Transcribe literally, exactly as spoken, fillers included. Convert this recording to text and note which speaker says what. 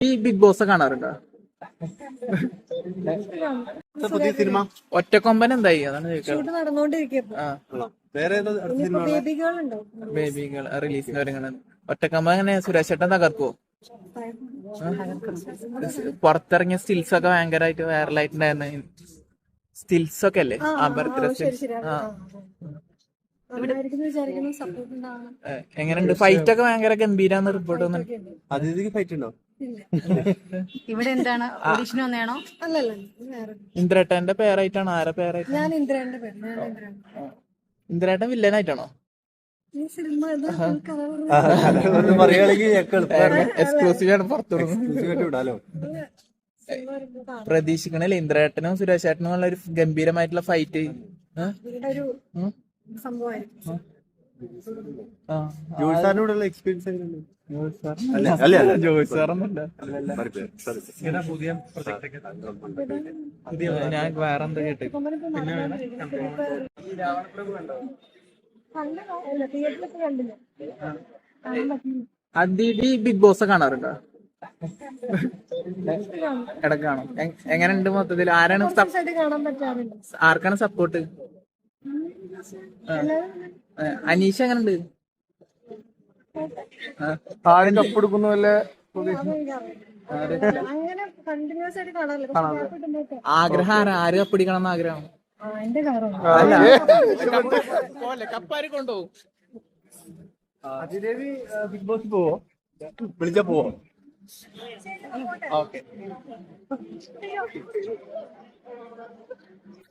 Speaker 1: ഈ big boss കാണാറുണ്ടോ?
Speaker 2: പുതിയ സിനിമ
Speaker 1: ഒറ്റക്കൊമ്പൻ എന്തായി? അതാണ് ചോദിച്ചത്.
Speaker 3: ഷൂട്ട് നടന്നുകൊണ്ടിരിക്കും.
Speaker 1: ആ
Speaker 2: വേറെ ഏതാ അടുത്ത സിനിമ
Speaker 3: ബേബികൾ ഉണ്ടോ?
Speaker 1: ബേബികൾ റിലീസിന് ഒരുങ്ങണത്. ഒറ്റക്കൊമ്പൻ എങ്ങനെ സുരേഷ് ചേട്ടൻ തകർക്കുവോ? പുറത്തിറങ്ങിയ സ്റ്റിൽസ് ഒക്കെ ഭയങ്കരമായിട്ട് വൈറലായിട്ടുണ്ടായിരുന്നു. സ്റ്റിൽസ് ഒക്കെ അല്ലേ ആ ബർത്ത്ഡേ സ്റ്റിൽസ്. ആ എങ്ങനെയുണ്ട്? ഫൈറ്റ് ഒക്കെ ഭയങ്കര ഗംഭീരാന്ന് റിപ്പോർട്ട് വന്നിട്ടുണ്ട്.
Speaker 2: അതിഥിക്ക് ഫൈറ്റ് ഉണ്ടോ?
Speaker 4: ഇവിടെ എന്താണ് ഓഡിഷൻ വന്നേണോ?
Speaker 3: അല്ലല്ല, വേറെ.
Speaker 1: ഇന്ദ്രേട്ടന്റെ പേരായിട്ടാണ്? ആരെ പേരായിട്ട്?
Speaker 3: ഞാൻ ഇന്ദ്രന്റെ പേര്. ഞാൻ ഇന്ദ്രൻ.
Speaker 1: ഇന്ദ്രേട്ടൻ വില്ലനായിട്ടാണോ?
Speaker 3: ഈ സിനിമ ഇത്
Speaker 2: പറയുകയാണെങ്കിൽ
Speaker 1: എക്സ്ക്ലൂസീവ് ആണ് പുറത്തു
Speaker 2: വിടാലോ.
Speaker 1: പ്രതീക്ഷിക്കണല്ലേ ഇന്ദ്രേട്ടനും സുരേഷ് ചേട്ടനും ഉള്ള ഒരു ഗംഭീരമായിട്ടുള്ള ഫൈറ്റ്?
Speaker 3: ഒരു സംഭവമായിരിക്കും.
Speaker 2: ജോയ് സാറിനോടുള്ള എക്സ്പീരിയൻസ് എങ്ങനെയുണ്ട്?
Speaker 1: ജോയ് സാറൊന്നുമില്ല. ഞാൻ വേറെ എന്താ കേട്ടു.
Speaker 3: തിയേറ്ററിലൊക്കെ കണ്ടില്ല.
Speaker 1: അതിഥി ബിഗ് ബോസ് കാണാറുണ്ടോ? ഇടയ്ക്ക് കാണും. എങ്ങനെയുണ്ട് മൊത്തത്തിൽ? ആരാണ് സപ്-
Speaker 3: ആയിട്ട് കാണാൻ പറ്റാറുണ്ട്.
Speaker 1: ആർക്കാണ് സപ്പോർട്ട്? അനീഷ എങ്ങനെയുണ്ട്?
Speaker 2: ആരും കപ്പെടുക്കുന്ന വല്ല
Speaker 3: അങ്ങനെ കണ്ടിന്യൂസ് ആയിട്ട് കാണാറില്ല. പക്ഷെ gap ഇടുമ്പോഴൊക്കെ.
Speaker 1: ആഗ്രഹം ആരാ? ആര് കപ്പിടിക്കണം എന്ന് ആഗ്രഹം?
Speaker 3: ആ, എന്റെ കാറാണ്.
Speaker 1: കപ്പാര് കൊണ്ടുപോകും.
Speaker 2: അതിദേവി ബിഗ് ബോസ് പോവോ? വിളിച്ചാ പോവോ?
Speaker 1: ഓക്കെ.